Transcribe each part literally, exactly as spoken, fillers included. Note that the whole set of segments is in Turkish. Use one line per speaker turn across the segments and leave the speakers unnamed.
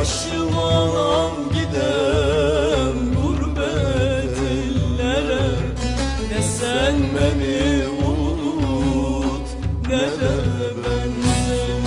Başımam gidem gurbet ellere. Ne sen beni unut ne de ben seni.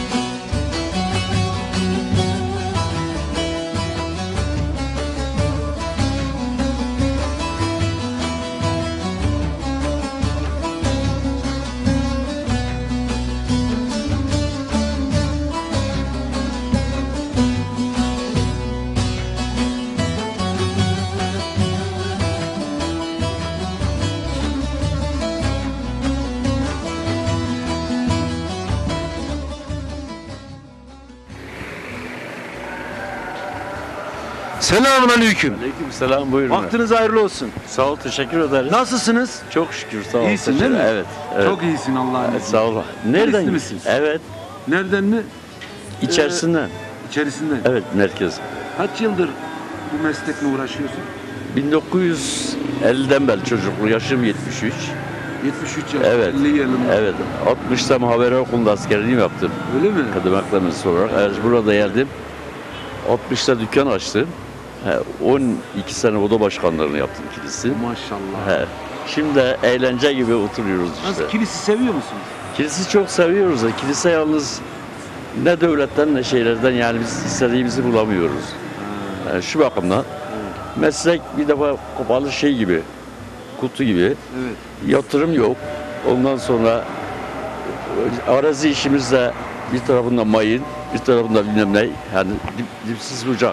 Selamünaleyküm.
Aleykümselam, buyurun.
Vaktiniz hayırlı olsun.
Sağ ol, teşekkür ederiz.
Nasılsınız?
Çok şükür, sağ ol.
İyisin
teşekkür-
değil mi?
Evet, evet.
Çok iyisin Allah'ın
Evet,
izniyle.
sağ ol. Nereden?
Kilisli misiniz?
Evet,
Nereden mi?
içerisinden.
İçerisinden.
Evet, merkez.
Kaç yıldır bu meslekle uğraşıyorsun?
bin dokuz yüz elliden beri çocukluğu, yaşım yetmiş üç.
yetmiş üç yaş.
Evet,
elli yılında.
evet. altmışta muhabere okulunda askerliğimi yaptım.
Öyle mi?
Kadım akademisi olarak. Evet, burada geldim. altmışta dükkan açtım. He, on iki sene oda başkanlığını yaptım kilisi.
Maşallah.
He. Şimdi de eğlence gibi oturuyoruz işte.
Nasıl, kilisi seviyor musunuz?
Kilisi çok seviyoruz da kilise yalnız ne devletten ne şeylerden yani biz istediğimizi bulamıyoruz. Yani şu bakımdan meslek bir defa kapalı şey gibi, kutu gibi,
Evet.
yatırım yok. Ondan sonra arazi işimizde bir tarafında mayın, bir tarafında bilmem ne, yani dip, dipsiz bucak.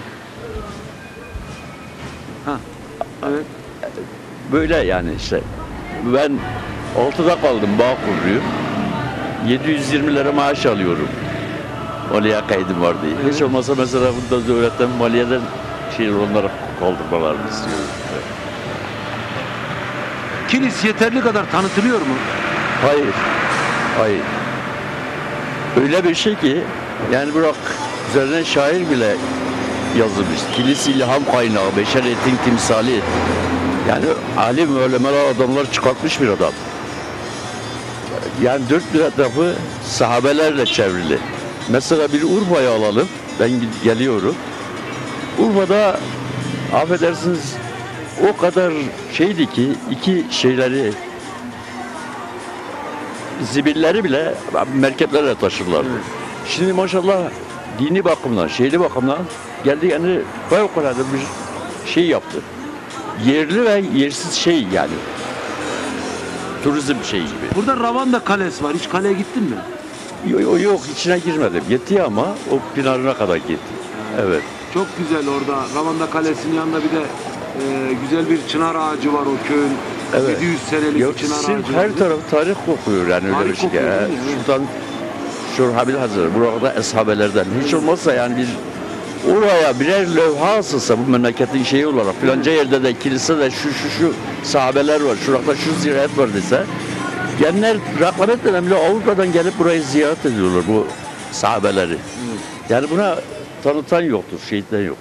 Evet.
Böyle yani işte. Ben altıda kaldım, bağ kuruyor. yedi yüz yirmi lira maaş alıyorum. Maliye kaydım var diye.
Evet.
Hiç olmazsa mesela burada devletten maliyeden şey onlara kaldırmalarını istiyorum. Evet.
Kilis yeterli kadar tanıtılıyor mu?
Hayır. Hayır. Öyle bir şey ki yani bırak üzerine şair bile yazılmış. Kilis ilham kaynağı, beşeriyetin timsali. Yani alim ölemeler adamlar çıkartmış bir adam. Yani dört bir etrafı sahabelerle çevrili. Mesela bir Urfa'yı alalım. Ben geliyorum. Urfa'da affedersiniz o kadar şeydi ki iki şeyleri zibilleri bile merkeplerle taşırlar.
Evet.
Şimdi maşallah dini bakımdan, şeyli bakımdan geldi yani fevkalade bir şey yaptı. Yerli ve yersiz şey yani. Turizm şeyi gibi.
Burada Ravanda Kalesi var. Hiç kaleye gittin mi?
Yok, yok, yok içine girmedim. Gitti ama o Pınar'ına kadar gitti. Evet.
Çok güzel orada. Ravanda Kalesi'nin yanında bir de e, güzel bir çınar ağacı var o köyün.
Evet.
yedi yüz senelik
Yok,
bir çınar
sizin
ağacı.
her
var.
taraf tarih kokuyor yani öyle
Tarih
bir şey.
kokuyor,
He,
değil mi? Evet.
Şuradan Şurhabil Hazır, burada eshabelerden. Hiç olmazsa yani bir oraya birer levha asılsa bu memleketin şeyi olarak filanca yerde de kilise de şu şu şu sahabeler var, şurada şu ziyaret var dese genler rakamet önemli Avrupa'dan gelip burayı ziyaret ediyorlar bu sahabeleri. Yani buna tanıtan yoktur, şehitler yoktur.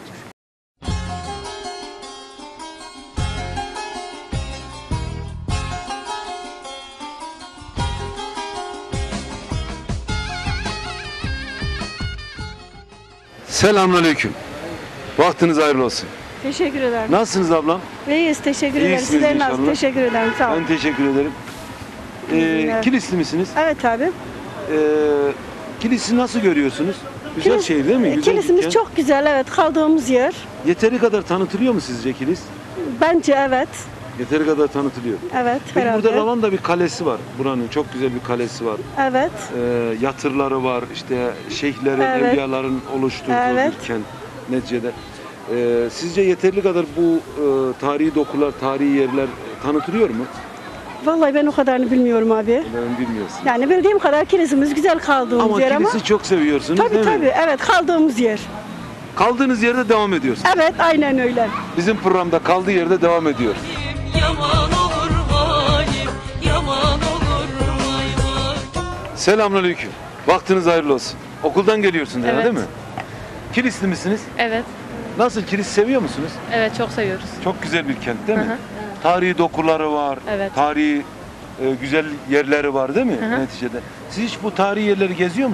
Selamünaleyküm. Vaktiniz hayırlı olsun.
Teşekkür ederim.
Nasılsınız ablam?
İyiyiz, teşekkür ederim.
İyisiniz
Sizler
inşallah.
nasıl? Teşekkür ederim, sağ olun.
Ben teşekkür ederim.
İyi
Ee,
günler.
Kilisli misiniz?
Evet abi.
Ee, Kilis'i nasıl görüyorsunuz? Güzel
Kilis-
şehir değil mi? Güzel
Kilisimiz
dükkan.
çok güzel, evet. Kaldığımız yer.
Yeteri kadar tanıtılıyor mu sizce Kilis?
Bence evet.
Yeteri kadar tanıtılıyor.
Evet,
Peki
herhalde.
burada Ravanda bir kalesi var. Buranın çok güzel bir kalesi var.
Evet.
Ee, yatırları var, işte şeyhlerin,
Evet.
evliyaların oluşturduğu
Evet.
bir kent neticede. Ee, sizce yeterli kadar bu e, tarihi dokular, tarihi yerler tanıtılıyor mu?
Vallahi ben o kadarını bilmiyorum abi.
Ben bilmiyorsun.
Yani bildiğim kadar kilisimiz güzel kaldığımız
Ama
yer ama.
kilisi çok seviyorsunuz
Tabii
değil mi?
tabii, evet kaldığımız yer.
Kaldığınız yerde devam ediyorsunuz.
Evet, aynen öyle.
Bizim programda kaldığı yerde devam ediyor.
Yaman olur halim, yaman olur vay vay.
Selamünaleyküm. Vaktiniz hayırlı olsun. Okuldan geliyorsunuz herhalde
Evet.
değil mi? Kilisli misiniz?
Evet,
Nasıl, Kilis seviyor musunuz?
evet çok seviyoruz.
Çok güzel bir kent değil mi?
Hı hı.
Tarihi dokuları var,
Evet.
tarihi e, güzel yerleri var değil mi
Hı hı.
neticede? Siz hiç bu tarihi yerleri geziyor musunuz?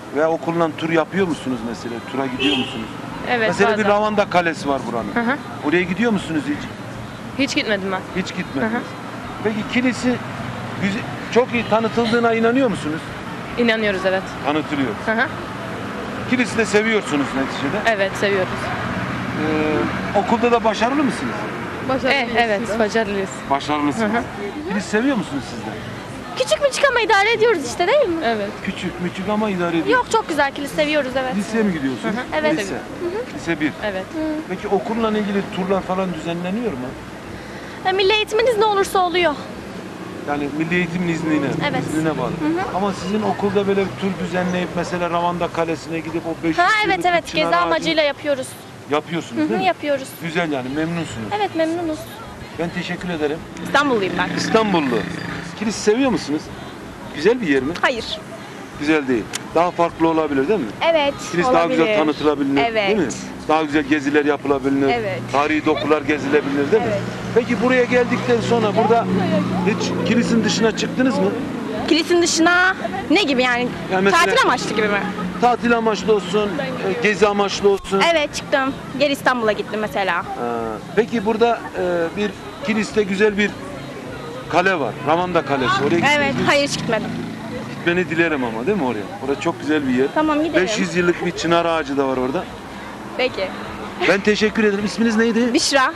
Veya okulla tur yapıyor musunuz mesela? Tura gidiyor musunuz?
Evet,
mesela
bazen.
bir Ravanda Kalesi var buranın.
Hı hı.
Oraya gidiyor musunuz hiç?
Hiç gitmedim ben.
Hiç gitmediniz.
Hı hı.
Peki kilisi güzel, çok iyi tanıtıldığına inanıyor musunuz?
İnanıyoruz, evet.
Tanıtılıyor.
Hı hı.
Kilisi de seviyorsunuz neticede.
Evet, seviyoruz.
Ee, okulda da başarılı mısınız?
Eh, evet, başarılıyız.
Başarılısınız.
Hı hı.
Kilisi seviyor musunuz siz de?
Küçük müçük ama idare ediyoruz işte, değil mi?
Evet.
Küçük müçük ama idare ediyor.
Yok, çok güzel, kilis seviyoruz, evet.
Liseye mi gidiyorsunuz?
Hı hı.
Evet.
Lise. Lise bir.
Evet.
Peki okulla ilgili turlar falan düzenleniyor mu?
Ha, Milli eğitiminiz ne olursa oluyor.
Yani Milli Eğitim'in iznine,
Evet.
iznine bağlı. Ama sizin okulda böyle bir tur düzenleyip mesela Ravanda Kalesi'ne gidip o beş yüz
Ha
yıllık
evet
bir
evet,
çınar
gezi
ağacını
amacıyla yapıyoruz.
yapıyorsunuz
Hı hı,
değil mi?
yapıyoruz.
Güzel yani memnunsunuz.
Evet, memnunuz.
Ben teşekkür ederim.
İstanbulluyum ben.
İstanbullu. Kilisi seviyor musunuz? Güzel bir yer mi?
Hayır.
Güzel değil. Daha farklı olabilir değil mi?
Evet,
Kilis
olabilir.
daha güzel tanıtılabilir
Evet.
değil mi? Daha güzel geziler yapılabilir.
Evet.
Tarihi dokular gezilebilir değil mi?
Evet.
Peki buraya geldikten sonra burada hiç kilisin dışına çıktınız mı?
Kilisin dışına ne gibi yani?
Yani mesela-
Tatil amaçlı gibi mi?
Tatil amaçlı olsun, e, gezi amaçlı olsun.
Evet, çıktım. Geri İstanbul'a gittim mesela.
Ha, Peki burada e, bir kiliste güzel bir kale var. Ravanda Kalesi. Oraya gittiniz
Evet,
mi?
hayır hiç gitmedim.
Gitmeni dilerim ama değil mi oraya? Orası çok güzel bir yer.
Tamam, gidelim.
beş yüz yıllık bir çınar ağacı da var orada.
Peki.
Ben teşekkür ederim. İsminiz neydi?
Büşra.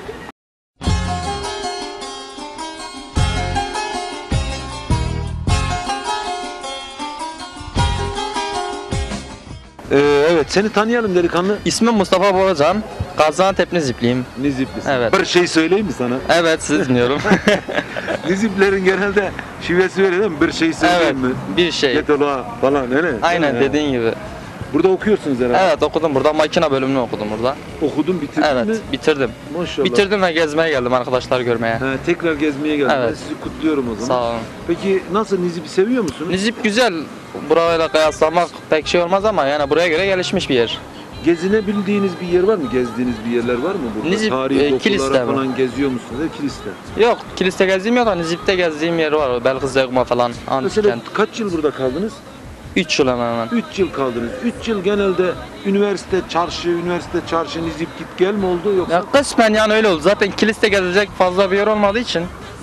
Ee, evet seni tanıyalım delikanlı.
İsmim Mustafa Boracan. Gaziantep Nizipliyim.
Niziplisin.
Evet.
Bir şey söyleyeyim mi sana?
Evet, siz dinliyorum.
Niziplerin genelde şivesi öyle değil mi? Bir şey söyleyeyim
evet,
mi?
bir şey.
Get ola falan öyle.
Aynen
Değil mi?
dediğin gibi.
Burada okuyorsunuz herhalde.
Evet, okudum burada. Makine bölümünü okudum burada.
Okudun bitirdin
Evet,
mi?
bitirdim.
Maşallah.
Bitirdim ve gezmeye geldim, arkadaşlar görmeye.
He, tekrar gezmeye geldim.
Evet.
Ben sizi kutluyorum o zaman.
Sağ olun.
Peki nasıl Nizip'i seviyor musunuz?
Nizip güzel. Burayla kıyaslamak pek şey olmaz ama yani buraya göre gelişmiş bir yer.
Gezinebildiğiniz bir yer var mı? Gezdiğiniz bir yerler var mı burada?
Nizip,
Tarihi
e,
dokulara
kiliste mi?
falan geziyor musunuz? E, kiliste.
Yok, kiliste gezdiğim yok da Nizip'te gezdiğim yer var. Belkıs Zegma falan, antik
Mesela
kent.
kaç yıl burada kaldınız?
üç yıl hemen hemen.
üç yıl kaldınız. üç yıl genelde üniversite, çarşı, üniversite, çarşı, Nizip git gel mi oldu yoksa?
Ya kısmen yani öyle oldu. Zaten kiliste gezecek fazla bir yer olmadığı için.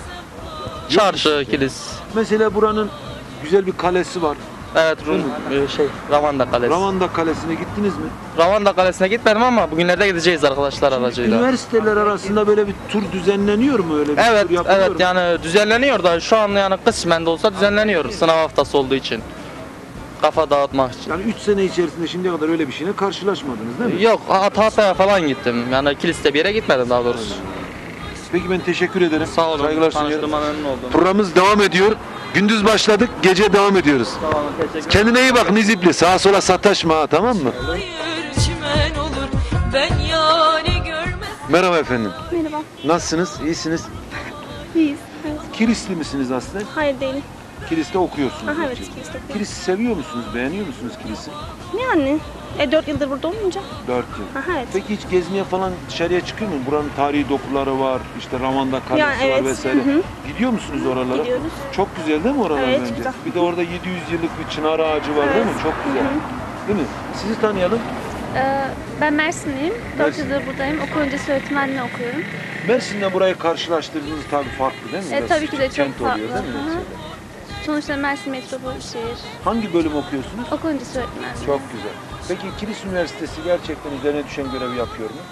Çarşı, kilis.
Mesela buranın güzel bir kalesi var.
Evet, Rum, e, şey, Ravanda Kalesi.
Ravanda Kalesi'ne gittiniz mi?
Ravanda Kalesi'ne gitmedim ama bugünlerde gideceğiz arkadaşlar aracıyla.
Üniversiteler arasında böyle bir tur düzenleniyor mu öyle bir
Evet,
tur yapılıyor
evet
mu?
yani düzenleniyor da şu an yani kısmen de olsa düzenleniyor sınav haftası olduğu için. Kafa dağıtmak için.
Yani üç sene içerisinde şimdiye kadar öyle bir şeyle karşılaşmadınız değil mi?
Yok, Hatay'a falan gittim. Yani kiliste bir yere gitmedim daha doğrusu.
Peki ben teşekkür ederim.
Sağ olun.
Saygılar sunuyorum.
Tanıştığıma memnun oldum.
Programımız devam ediyor. Gündüz başladık, gece devam ediyoruz.
Sağ olun, teşekkür
Kendine iyi bak Nizipli. Sağa sola sataşma ha, tamam mı?
Hayır çimen olur ben yani görmez.
Merhaba efendim.
Merhaba.
Nasılsınız? İyisiniz?
İyiyiz. Evet.
Kilisli misiniz aslında?
Hayır değilim.
Kilis'te okuyorsunuz.
Aha, evet,
Kilis'te.
kiliste okuyorum.
Kilis'i seviyor musunuz? Beğeniyor musunuz Kilis'i?
Yani. E dört yıldır burada olunca.
Dört yıl.
Aha, evet.
Peki hiç gezmeye falan dışarıya çıkıyor mu? Buranın tarihi dokuları var, işte Ravanda Kalesi
Ya, evet.
var vesaire.
Hı hı.
Gidiyor musunuz oralara?
Gidiyoruz.
Çok güzel değil mi oralar
Evet,
bence?
güzel.
Bir de orada yedi yüz yıllık bir çınar ağacı var değil mi?
Evet.
Çok güzel. Değil mi? Sizi tanıyalım.
Ee, Ben Mersinliyim. dört
Mersin.
yıldır buradayım. Okul öncesi öğretmenliği okuyorum.
Mersin'le burayı karşılaştırdığınız tabii farklı değil mi?
E,
Biraz
tabii ki de çok
kent oluyor
farklı.
değil mi?
Hı hı.
neticede?
Sonuçta Mersin metropol bir şehir.
Hangi bölüm okuyorsunuz?
Okul öncesi öğretmenliği.
Çok güzel. Peki Kilis Üniversitesi gerçekten üzerine düşen görevi yapıyor mu?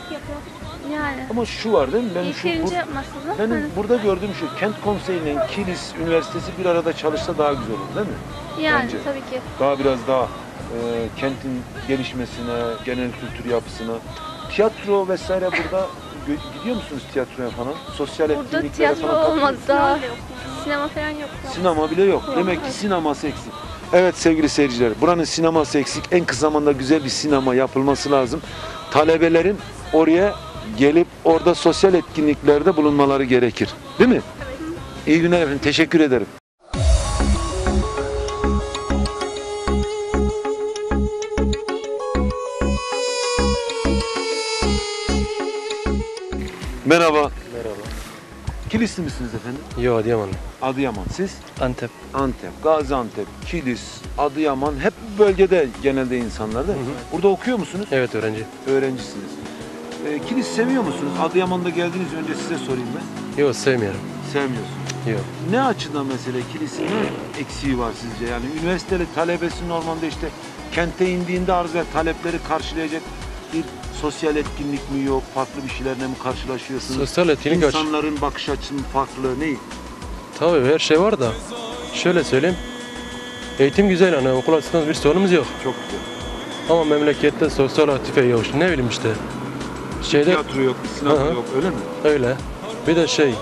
Yani.
Ama şu var değil mi? Ben şu,
Yeterince
bur-
yapması da.
benim
Hı.
burada gördüğüm şu, Kent Konseyi'nin Kilis Üniversitesi bir arada çalışsa daha güzel olur değil mi?
Yani
bence.
tabii ki.
Daha biraz daha e, kentin gelişmesine, genel kültür yapısına. Tiyatro vesaire burada gö- gidiyor musunuz tiyatroya falan? Sosyal
Burada
etkinliklere
tiyatro
falan katılıyor
olmadı
musunuz?
daha. Sinema falan yok.
Sinema bile yok. Demek ki sineması eksik. Evet sevgili seyirciler, buranın sineması eksik. En kısa zamanda güzel bir sinema yapılması lazım. Talebelerin oraya gelip orada sosyal etkinliklerde bulunmaları gerekir. Değil mi? İyi günler efendim. Teşekkür ederim. Merhaba.
Merhaba.
Kilisli misiniz efendim?
Yo, Adıyamanlı.
Adıyaman. Siz?
Antep.
Antep, Gaziantep, Kilis, Adıyaman hep bu bölgede genelde insanlar değil mi? Burada okuyor musunuz?
Evet öğrenci.
Öğrencisiniz. Ee, Kilis seviyor musunuz? Adıyaman'da geldiğiniz önce size sorayım ben.
Yok sevmiyorum.
Sevmiyorsunuz.
Yok.
Ne açıdan mesela Kilis'in ne eksiği var sizce? Yani üniversiteli talebesi normalde işte kente indiğinde arz ve talepleri karşılayacak bir sosyal etkinlik mi yok? Farklı bir şeylerle mi karşılaşıyorsunuz?
Sosyal etkinlik aç.
İnsanların bakış açısı mı farklı? Ne?
Tabii her şey var da. Şöyle söyleyeyim. Eğitim güzel hani okul açısından bir sorunumuz yok.
Çok güzel.
Ama memlekette sosyal aktife yok. Ne bileyim işte. Şeyde
Tiyatro yok, sinema
Hı hı.
yok öyle mi?
öyle. Bir de şey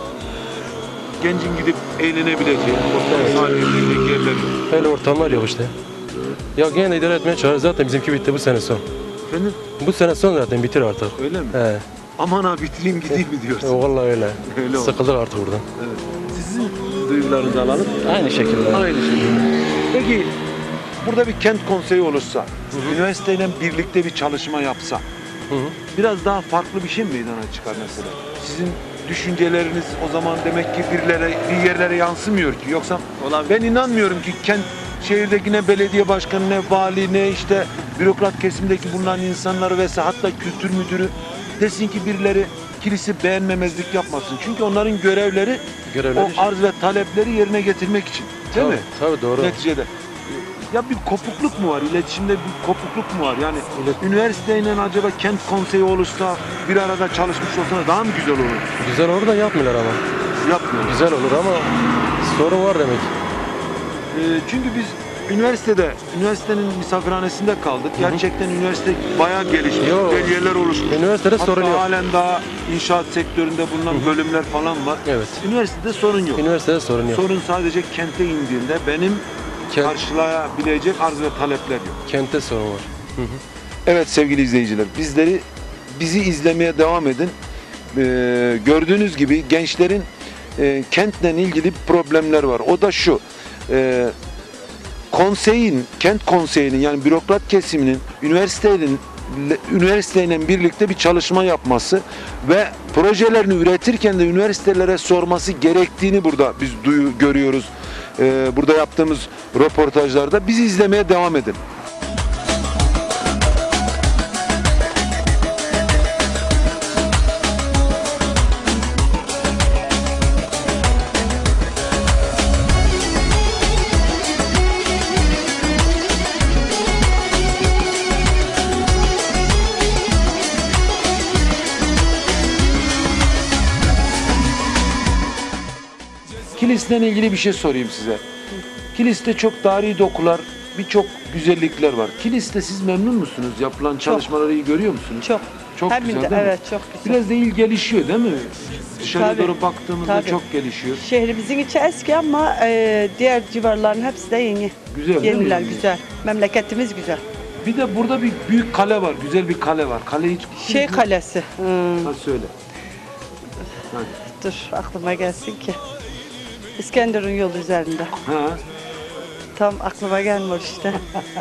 Gencin gidip eğlenebileceği, ortam sahnelerinde yerler yok.
öyle ortamlar yok işte. Ya gene idare etmeye çalışıyoruz. Zaten bizimki bitti bu sene son.
Efendim?
Bu sene son zaten bitir artık.
Öyle mi?
He.
Aman ha bitireyim gideyim mi diyorsun?
E, vallahi öyle.
Öyle oldu.
Sıkıldık artık buradan.
Evet. Sizin duygularınızı alalım.
Aynı şekilde.
Aynı şekilde. Peki burada bir kent konseyi olursa, üniversiteyle birlikte bir çalışma yapsa,
Hı hı.
biraz daha farklı bir şey mi meydana çıkar mesela? Sizin düşünceleriniz o zaman demek ki birilere, bir yerlere yansımıyor ki. Yoksa ben inanmıyorum ki kent şehirdeki ne belediye başkanı, ne vali, ne işte bürokrat kesimdeki bulunan insanları vesaire hatta kültür müdürü desin ki birileri kilisi beğenmemezlik yapmasın. Çünkü onların görevleri,
Görevleri
o arz ve talepleri yerine getirmek için. Değil
tabii,
mi?
Tabii doğru.
Neticede. Ya bir kopukluk mu var? İletişimde bir kopukluk mu var? Yani üniversiteyle acaba kent konseyi olursa, bir arada çalışmış olsa daha mı güzel olur?
Güzel olur da yapmıyorlar ama.
Yapmıyorlar.
Güzel olur ama sorun var demek.
Ee, çünkü biz üniversitede, üniversitenin misafirhanesinde kaldık. Gerçekten üniversite bayağı gelişmiş,
Yok.
güzel yerler oluşmuş.
Üniversitede
Hatta
sorun yok.
halen daha inşaat sektöründe bulunan bölümler falan var.
Evet.
Üniversitede sorun yok.
Üniversitede sorun yok.
Sorun sadece kente indiğinde benim
Kent-
karşılayabilecek arz ve talepler yok.
Kentte sorun var.
Evet sevgili izleyiciler, bizleri bizi izlemeye devam edin. Ee, gördüğünüz gibi gençlerin e, kentle ilgili problemler var. O da şu. E, konseyin, kent konseyinin yani bürokrat kesiminin üniversitenin üniversiteyle birlikte bir çalışma yapması ve projelerini üretirken de üniversitelere sorması gerektiğini burada biz duyu, görüyoruz. Ee, burada yaptığımız röportajlarda bizi izlemeye devam edin. Kilis'le ilgili bir şey sorayım size. Kilis'te çok tarihi dokular, birçok güzellikler var. Kilis'te siz memnun musunuz? Yapılan çalışmaları iyi görüyor musunuz?
Çok.
Çok
Hem
güzel
de,
değil mi?
evet çok güzel.
Biraz da il gelişiyor değil mi? Dışarıya
Tabii,
doğru baktığımızda
tabii.
çok gelişiyor.
Şehrimizin içi eski ama e, diğer civarların hepsi de yeni.
Güzel değil mi?
Yeniler
Yani?
güzel. Memleketimiz güzel.
Bir de burada bir büyük kale var, güzel bir kale var. Kale hiç
Şey Kalesi. Hmm,
Ha söyle. Hadi.
dur aklıma gelsin ki. İskenderun yolu üzerinde.
Ha,
Tam aklıma gelmiyor işte.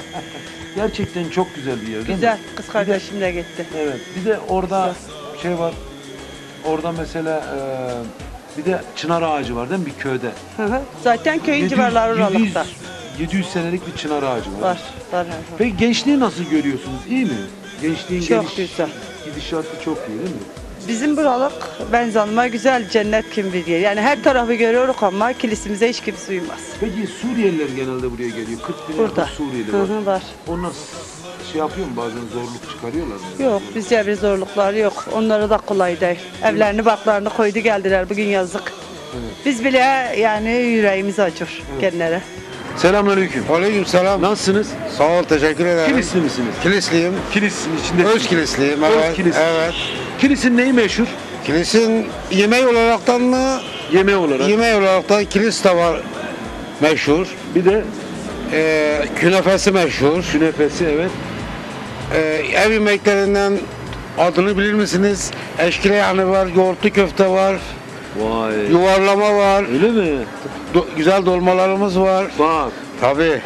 gerçekten çok güzel bir yer değil mi?
Güzel. Kız kardeşim de gitti.
Evet. Bir de orada şey var. Orada mesela e, bir de çınar ağacı var değil mi bir köyde?
Hı hı. Zaten köyün
yedi yüz
civarları oralıkta.
yedi yüz senelik bir çınar ağacı var.
Var. Var. var.
Peki gençliği nasıl görüyorsunuz? İyi mi? Gençliğin
Çok
geliş,
güzel.
gidişatı çok iyi değil mi?
Bizim buralık ben zanıma güzel cennet kim bilir. Yani her tarafı görüyoruz ama kilisimize hiç kimse uymaz.
Peki Suriyeliler genelde buraya geliyor. kırk bin
Burada.
yakın Suriyeli
Hı
var.
hı, var.
Onlar şey yapıyor mu bazen zorluk çıkarıyorlar mı?
Yok bizce bir zorluklar yok. Onlara da kolay değil. Evlerini baklarını koydu geldiler bugün yazık. Biz bile yani yüreğimiz acır kendileri.
Selamünaleyküm.
Aleyküm selam.
Nasılsınız?
Sağ ol, teşekkür ederim.
Kilisli misiniz?
Kilisliyim.
Kilis'in içinde.
Öz kilisliyim, evet.
Öz kilis.
Evet.
Kilis'in neyi meşhur?
Kilisin yemeği olaraktan mı?
Yemeği olarak.
Yemeği olaraktan kilis de var meşhur.
Bir de
Ee, künefesi meşhur.
künefesi evet.
Ee, ev yemeklerinden adını bilir misiniz? Eşkile yanı var, yoğurtlu köfte var,
Vay.
yuvarlama var,
Öyle mi?
do- güzel dolmalarımız var.
Bak.
Tabii.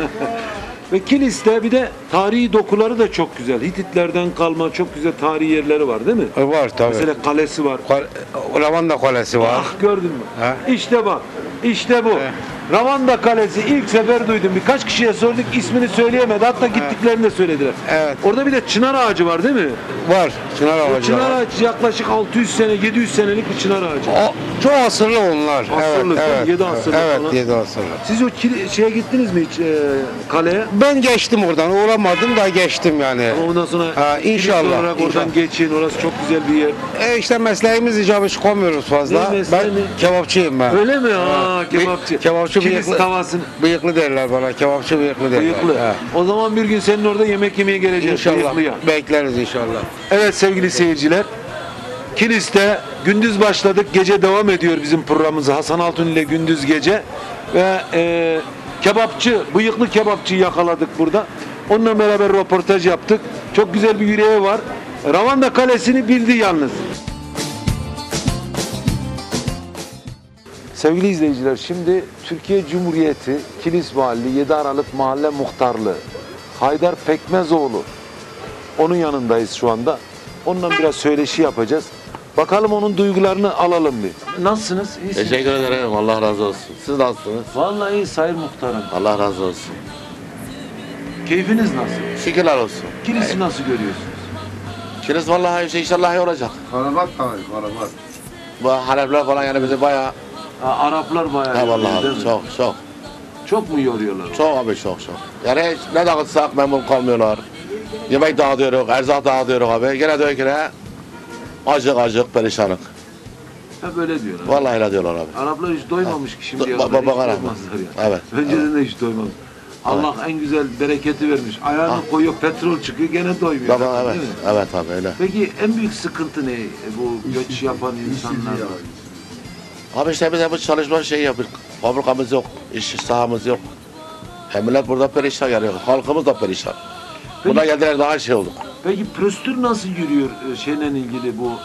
Ve Kilis'te bir de tarihi dokuları da çok güzel. Hititlerden kalma çok güzel tarihi yerleri var değil mi?
E, var tabii.
Mesela kalesi var.
Kal- Lavanda Kalesi var.
Ah gördün mü?
Ha.
İşte bak. İşte bu. Ravanda Kalesi ilk sefer duydum. Birkaç kişiye sorduk, ismini söyleyemedi. Hatta gittiklerini de söylediler.
Evet.
Orada bir de çınar ağacı var değil mi?
Var. Çınar
O
ağacı
çınar
var.
ağacı yaklaşık altı yüz sene, yedi yüz senelik bir çınar ağacı.
O, çok asırlı onlar.
Asırlı,
evet,
değil mi?
evet,
Yedi asırlı
evet,
falan.
yedi asırlı.
Siz o kili- şeye gittiniz mi hiç e, kaleye?
Ben geçtim oradan. Uğramadım da geçtim yani.
Ama ondan sonra
Ha, inşallah,
kilis olarak oradan
inşallah.
geçin. Orası çok güzel bir yer.
E işte mesleğimiz icabı çıkamıyoruz fazla.
Ne mesleği
Ben
mi?
kebapçıyım ben.
Öyle mi? Aa,
Ha,
kebapçı.
Kebapçı
Kilis
bıyıklı.
tavasını.
Bıyıklı derler bana. Kebapçı bıyıklı derler.
Bıyıklı.
Ha.
O zaman bir gün senin orada yemek yemeye geleceğiz.
İnşallah.
Bıyıklıya.
Bekleriz inşallah.
Evet sevgili seyirciler. Kilis'te gündüz başladık. Gece devam ediyor bizim programımız. Hasan Altun ile gündüz gece. Ve e, kebapçı, bıyıklı kebapçıyı yakaladık burada. Onunla beraber röportaj yaptık. Çok güzel bir yüreği var. Ravanda Kalesi'ni bildi yalnız. Sevgili izleyiciler, şimdi Türkiye Cumhuriyeti Kilis Valiliği yedi Aralık Mahalle Muhtarlığı Haydar Pekmezoğlu, onun yanındayız şu anda. Onunla biraz söyleşi yapacağız. Bakalım onun duygularını alalım bir. Nasılsınız? İyisiniz?
Teşekkür ederim. Allah razı olsun. Siz nasılsınız?
Vallahi iyi Sayın Muhtarım.
Allah razı olsun.
Keyfiniz nasıl?
Şükürler olsun.
Kilis'i nasıl görüyorsunuz?
Kilis vallahi işte inşallah iyi olacak.
Karabat tabii, karabat.
Bu Halepler falan yani bizi bayağı...
Ha, Araplar bayağı
Ha
yoruyor,
vallahi
değil
abi,
mi?
çok çok.
Çok mu yoruyorlar?
Çok abi çok çok. Yani hiç ne dağıtsak memnun kalmıyorlar. Yemek dağıtıyoruz, erzak dağıtıyoruz abi. Gene diyor ki ne? Acık acık perişanlık.
Hep öyle diyorlar.
Vallahi öyle diyorlar abi.
Araplar hiç doymamış ki şimdiye
Ba-
kadar. Hiç
bakana.
doymazlar ya.
Evet.
Önceden de hiç doymamış. Allah en güzel bereketi vermiş. Ayağını
Ah.
koyuyor, petrol çıkıyor, gene doymuyor.
Baba evet.
Değil mi?
Evet abi öyle.
Peki en büyük sıkıntı ne e, bu göç yapan insanlarda?
Abi işte biz hep çalışma şey yapıyoruz. Fabrikamız yok, iş sahamız yok. Hem millet burada perişan yani. Halkımız da perişan. Buna geldiler daha şey olduk.
Peki prosedür nasıl yürüyor e, şeyle ilgili bu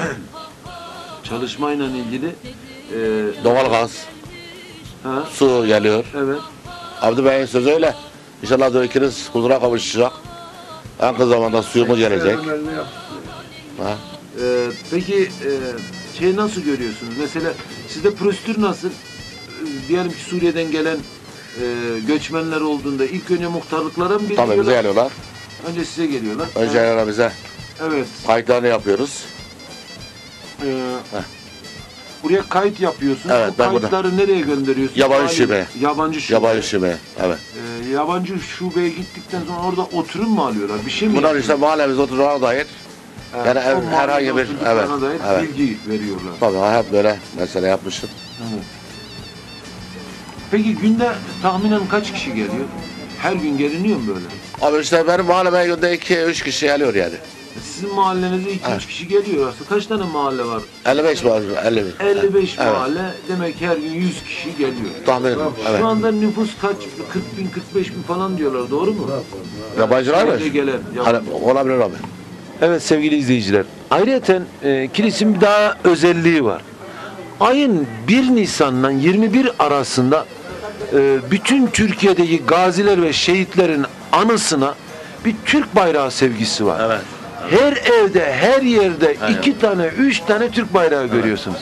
çalışmayla ilgili? E,
Doğalgaz,
ha,
su geliyor.
evet.
Abdü Bey'in sözü öyle. İnşallah diyor ikiniz huzura kavuşacak. En kısa zamanda suyumuz gelecek. Ha?
E, peki e, şey nasıl görüyorsunuz? Mesela sizde prosedür nasıl? E, diyelim ki Suriye'den gelen e, göçmenler olduğunda ilk önce muhtarlıklara mı
Tabii bize
bildiriyorlar?
geliyorlar.
Önce size geliyorlar.
Önce
Ha,
geliyorlar bize.
evet.
Kayıtlarını yapıyoruz.
E, buraya kayıt yapıyorsunuz.
Evet,
Bu
ben burada-
kayıtları nereye gönderiyorsunuz?
Yabancı
Aile-
şube.
Yabancı şube.
Yabancı şube. Evet.
E, yabancı şubeye gittikten sonra orada oturum mu alıyorlar? Bir şey mi?
Bunlar işte mahallemiz oturana dair.
Evet,
yani
o
ev-
mahallede
herhangi bir-
oturduklarına
evet,
dair
evet.
bilgi veriyorlar.
Tabii hep böyle mesele yapmışım.
Evet. Peki günde tahminen kaç kişi geliyor? Her gün geliniyor mu böyle?
Abi işte benim mahalleme günde iki üç kişi geliyor yani.
Sizin mahallenize iki üç
Evet.
kişi geliyor aslında. Kaç tane mahalle var?
elli beş var. elli bir.
elli beş
Evet.
mahalle. Demek ki her gün yüz kişi geliyor.
Tahmin ediyorum. Evet.
Şu anda nüfus kaç? kırk bin, kırk beş bin falan diyorlar. Doğru mu?
Yabancılar mı?
Şöyle gelen.
Hani olabilir abi.
Evet sevgili izleyiciler. Ayrıca e, kilisin bir daha özelliği var. Ayın bir Nisan'la yirmi bir arasında e, bütün Türkiye'deki gaziler ve şehitlerin anısına bir Türk bayrağı sevgisi var.
Evet.
Her evde, her yerde
Aynen.
iki tane, üç tane Türk bayrağı görüyorsunuz.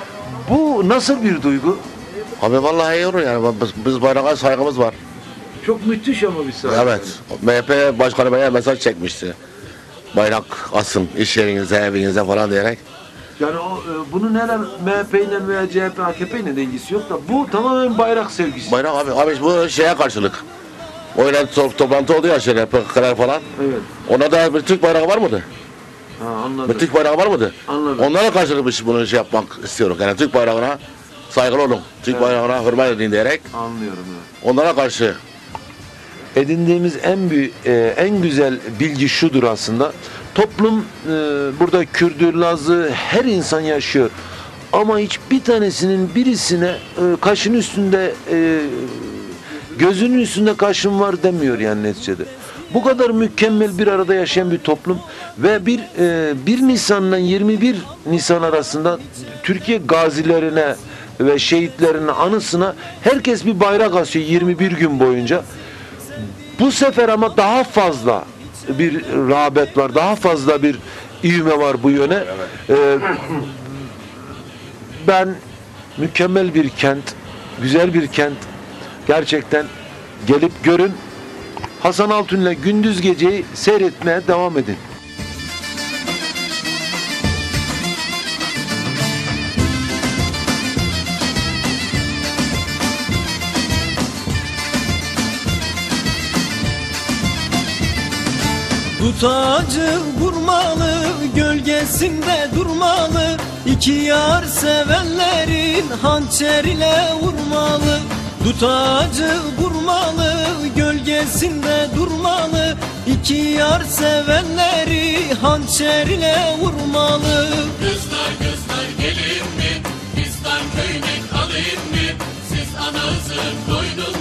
Bu nasıl bir duygu?
Abi vallahi iyi olur yani. Biz, biz bayrağa saygımız var.
Çok müthiş ama bir saygı.
Evet. M H P Başkanı bana mesaj çekmişti. Bayrak asın iş yerinize, evinize falan diyerek.
Yani o, e, bunun herhalde M H P ile veya C H P, A K P ile de ilgisi yok da bu tamamen bayrak sevgisi.
Bayrak abi, abi bu şeye karşılık. O öyle to- toplantı oldu ya şöyle P K K'lar falan.
Evet.
Ona da bir Türk bayrağı var mıydı?
Ha, anladım.
Bir Türk bayrağı var mıydı?
Anladım.
Onlara karşılık biz bunu şey yapmak istiyoruz. Yani Türk bayrağına saygılı olun. Türk
Evet.
bayrağına hürmet edin diyerek
Anlıyorum. Evet.
onlara karşı
Edindiğimiz en büyük, e, en güzel bilgi şudur aslında. Toplum e, burada Kürdü, Lazı her insan yaşıyor. Ama hiçbir tanesinin birisine e, kaşın üstünde e, gözünün üstünde kaşın var demiyor yani neticede. Bu kadar mükemmel bir arada yaşayan bir toplum ve bir e, bir Nisan'la yirmi bir Nisan arasında Türkiye gazilerine ve şehitlerinin anısına herkes bir bayrak asıyor yirmi bir gün boyunca. Bu sefer ama daha fazla bir rağbet var, daha fazla bir ivme var bu yöne. Ee, ben mükemmel bir kent, güzel bir kent, Gerçekten gelip görün. Hasan Altun'la gündüz geceyi seyretmeye devam edin.
Dut ağacı vurmalı, gölgesinde durmalı. İki yar sevenlerin hançer ile vurmalı. Dut ağacı vurmalı, gölgesinde durmalı. İki yar sevenleri hançer ile vurmalı.
Kızlar kızlar gelin mi? Fistan köyüne alayım mı? Siz anasın doydunuz.